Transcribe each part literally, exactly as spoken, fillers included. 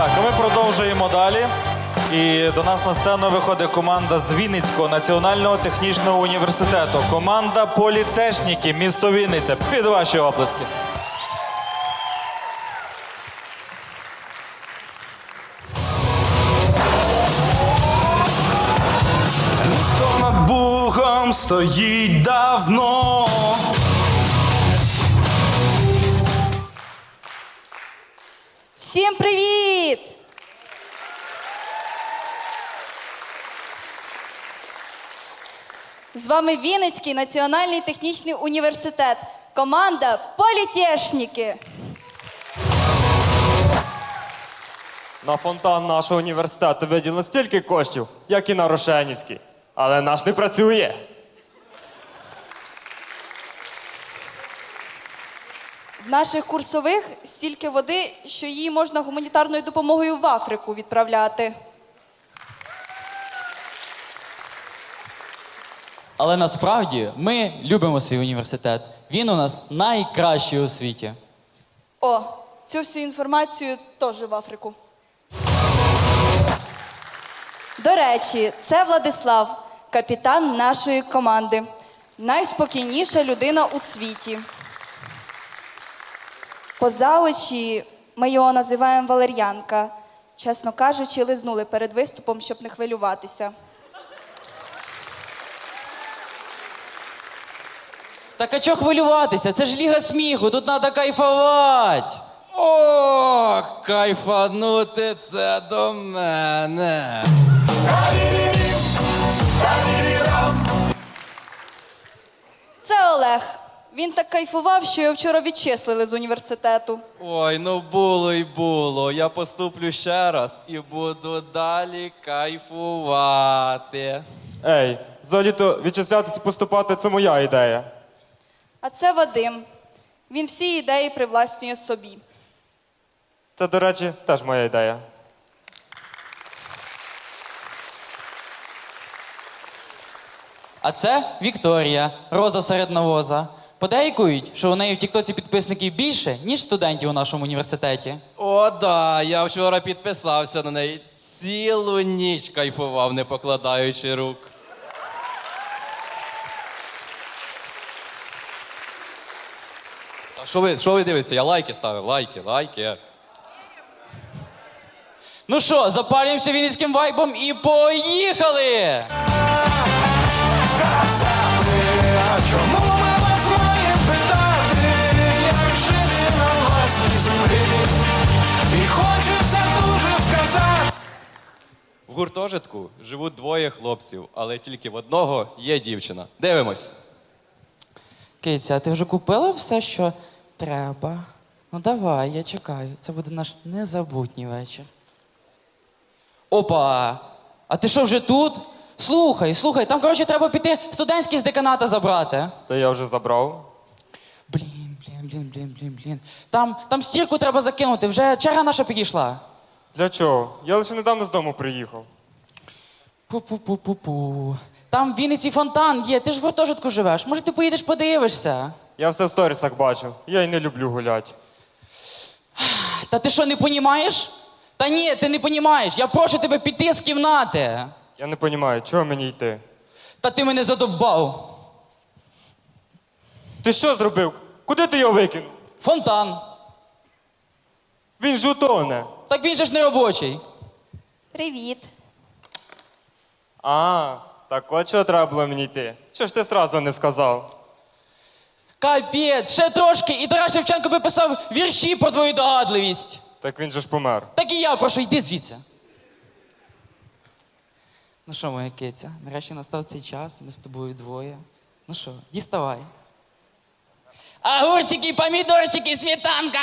Так, а ми продовжуємо далі. І до нас на сцену виходить команда з Вінницького національного технічного університету. Команда політехніки, місто Вінниця. Під ваші оплески. Місто над Бугом стоїть давно. Всім привіт! З вами Вінницький національний технічний університет. Команда політехніки. На фонтан нашого університету виділено стільки коштів, як і на Рошенівський. Але наш не працює. В наших курсових стільки води, що її можна гуманітарною допомогою в Африку відправляти. Але насправді ми любимо свій університет. Він у нас найкращий у світі. О, цю всю інформацію теж в Африку. До речі, це Владислав, капітан нашої команди. Найспокійніша людина у світі. Поза очі ми його називаємо Валер'янка. Чесно кажучи, лизнули перед виступом, щоб не хвилюватися. Так а чого хвилюватися? Це ж ліга сміху, тут треба кайфувати. О, кайфанути це до мене. Це Олег. Він так кайфував, що його вчора відчислили з університету. Ой, ну було й було. Я поступлю ще раз і буду далі кайфувати. Ей, взагалі-то відчислятися і поступати – це моя ідея. А це Вадим. Він всі ідеї привласнює собі. Це, до речі, теж моя ідея. А це Вікторія, роза серед навоза. Подейкують, що у неї в тіктоці підписників більше, ніж студентів у нашому університеті. О, да, я вчора підписався на неї. Цілу ніч кайфував, не покладаючи рук. А що ви, що ви дивитеся? Я лайки ставив, лайки, лайки. Ну що, запалюємося вінницьким вайбом і поїхали! А чому ми вас маємо питати, як жити на власній землі? І хочеться дуже сказати. В гуртожитку живуть двоє хлопців, але тільки в одного є дівчина. Дивимось. Киця, а ти вже купила все, що треба? Ну давай, я чекаю. Це буде наш незабутній вечір. Опа! А ти що, вже тут? Слухай, слухай, там, коротше, треба піти студентський з деканата забрати. Та я вже забрав. Блін, блін, блін, блін, блін, блін. Там, там стірку треба закинути, вже черга наша підійшла. Для чого? Я лише недавно з дому приїхав. Пу-пу-пу-пу-пу. Там в Вінниці фонтан є, ти ж в гуртожитку живеш. Може, ти поїдеш подивишся? Я все в сторісах бачив. Я й не люблю гуляти. Та ти що, не понімаєш? Та ні, ти не понімаєш. Я прошу тебе піти з кімнати. Я не розумію, чого мені йти? Та ти мене задовбав. Ти що зробив? Куди ти його викинув? Фонтан. Він ж утоне. Так він же ж не робочий. Привіт. А, так от чого треба було мені йти? Що ж ти сразу не сказав? Капець, ще трошки, і Тарас Шевченко би писав вірші про твою догадливість. Так він же ж помер. Так і я прошу, йди звідси. Ну що, моя киця, нарешті настав цей час, ми з тобою двоє. Ну що, діставай. Огурчики, помідорчики, сметанка!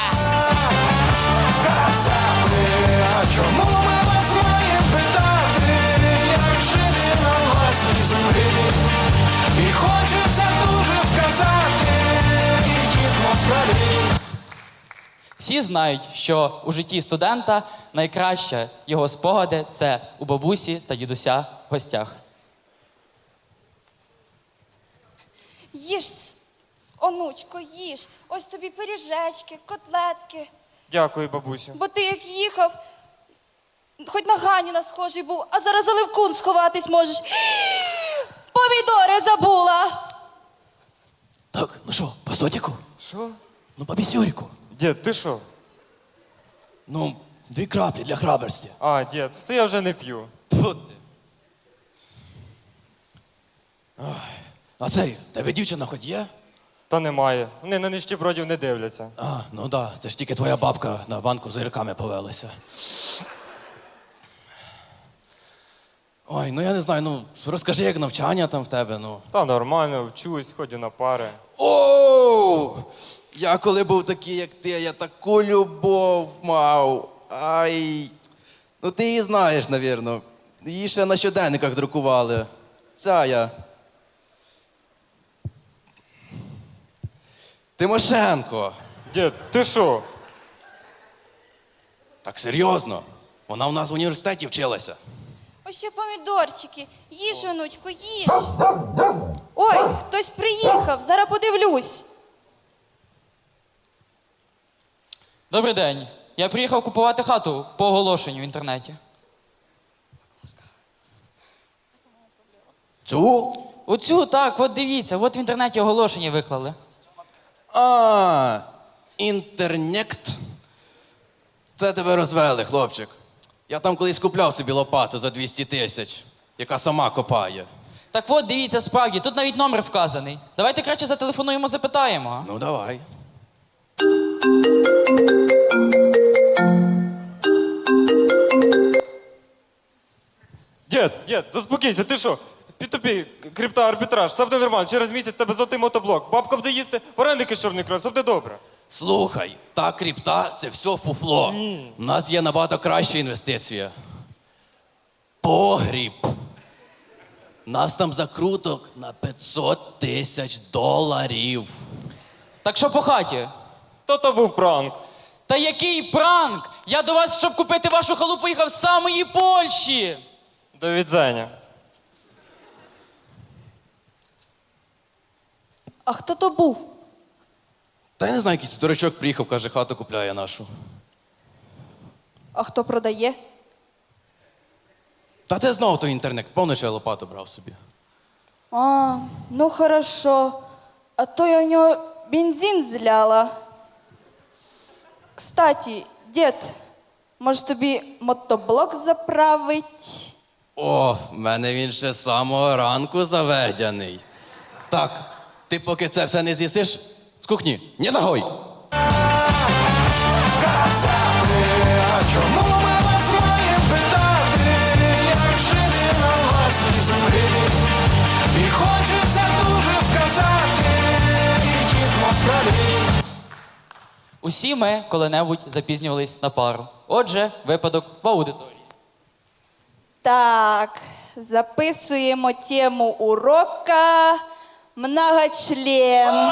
А чому ми вас маємо питати, як жити на власній землі? І хочеться дуже сказати, ідіть москалі. Всі знають, що у житті студента найкраще його спогади – це у бабусі та дідуся в гостях. Їж, онучко, їж. Ось тобі пиріжечки, котлетки. Дякую, бабусю. Бо ти як їхав, хоч на Ганіна схожий був, а зараз за Левкун сховатись можеш. Помідори забула. Так, ну що, по сотіку? Що? Ну, по бісюріку. Дід, ти що? Ну, дві краплі для храбрості. А, дід, то я вже не п'ю. Тьфу ти. Ой. А цей, тебе дівчина хоч є? Та немає. Вони на нищебродів не дивляться. А, ну да, це ж тільки твоя бабка на банку з огірками повелася. Ой, ну я не знаю, ну розкажи, як навчання там в тебе, ну. Та нормально, вчусь, ходю на пари. Оу! Я коли був такий, як ти, я таку любов мав. Ай. Ну ти її знаєш, навірно. Її ще на щоденниках друкували. Ця я. Тимошенко. Дід, ти що? Так серйозно. Вона у нас в університеті вчилася. Ось ще помідорчики. Їж, онучку, їж. Ой, хтось приїхав, зараз подивлюсь. Добрий день. Я приїхав купувати хату по оголошенню в інтернеті. Цю? Оцю, так, от дивіться, от в інтернеті оголошення виклали. А, інтернект. Це тебе розвели, хлопчик. Я там колись купляв собі лопату за двісті тисяч, яка сама копає. Так от, дивіться, справді, тут навіть номер вказаний. Давайте краще зателефонуємо, запитаємо. а? Ну, давай. Дід, дід, заспокійся, ти що? Під тобі крипта, арбітраж, все буде нормально. Через місяць тебе золотий мотоблок. Бабка буде їсти, вареники з чорний кров, все буде добре. Слухай, та крипта – це все фуфло. Ні. У нас є набагато краща інвестиція. Погріб. Нас там закруток на п'ятсот тисяч доларів. Так що по хаті? То то був пранк. Та який пранк! Я до вас, щоб купити вашу халупу, їхав з самої Польщі! До відзення. А хто то був? Та я не знаю, якийсь дурачок приїхав, каже, хату купляє нашу. А хто продає? Та це знову той інтернет, повністю я лопату брав собі. А, ну хорошо. А то я в нього бензин зляла. Кстати, дід, може тобі мотоблок заправить? О, в мене він ще з самого ранку заведений. Так, ти поки це все не з'їсиш, з кухні, не ногой. А чому ми вас маємо питати, як жити на власній землі? І хочеться дуже сказати, ідіть москалі. Усі ми коли-небудь запізнювались на пару. Отже, випадок в аудиторії. Так, записуємо тему урока многочлен.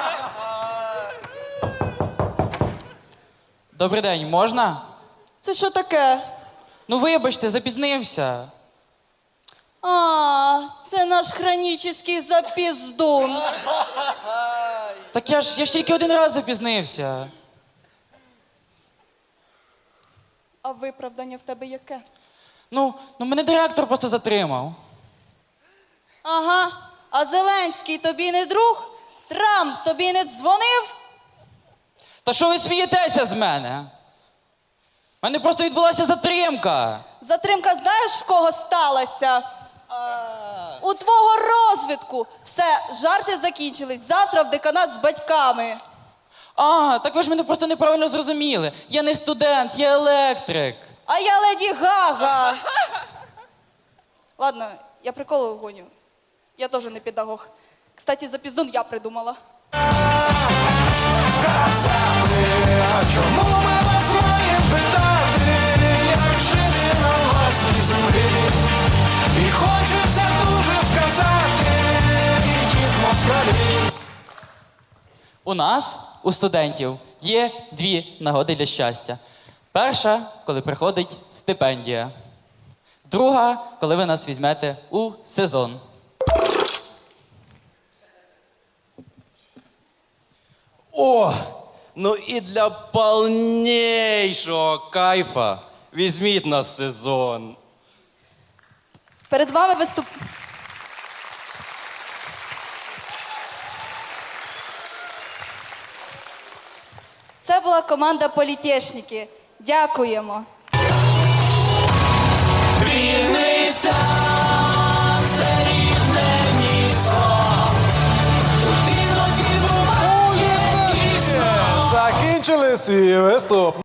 Добрий день, можна? Це що таке? Ну вибачте, запізнився. А, це наш хронічний запіздун. Так я ж я ж тільки один раз запізнився. А виправдання в тебе яке? Ну, ну мене директор просто затримав. Ага, а Зеленський тобі не друг? Трамп тобі не дзвонив? Та що ви смієтеся з мене? У мене просто відбулася затримка. Затримка знаєш, в кого сталася? У твого розвідку. Все, жарти закінчились. Завтра в деканат з батьками. А, так ви ж мене просто неправильно зрозуміли. Я не студент, я електрик. А я Леді Гага. Ладно, я приколу гоню. Я теж не педагог. Кстати, запіздун я придумала. А чому ми вас маємо питати, як жити на власній землі? І хочеться дуже сказати, ідіть москалі. У нас, у студентів, є дві нагоди для щастя. Перша, коли приходить стипендія. Друга, коли ви нас візьмете у сезон. О, Ну і для повнішого кайфа візьміть нас в сезон. Перед вами виступ... Це була команда політешники. Дякуємо. Вінниця, це рідне місто. Тут іноді буває. Закінчили свій виступ.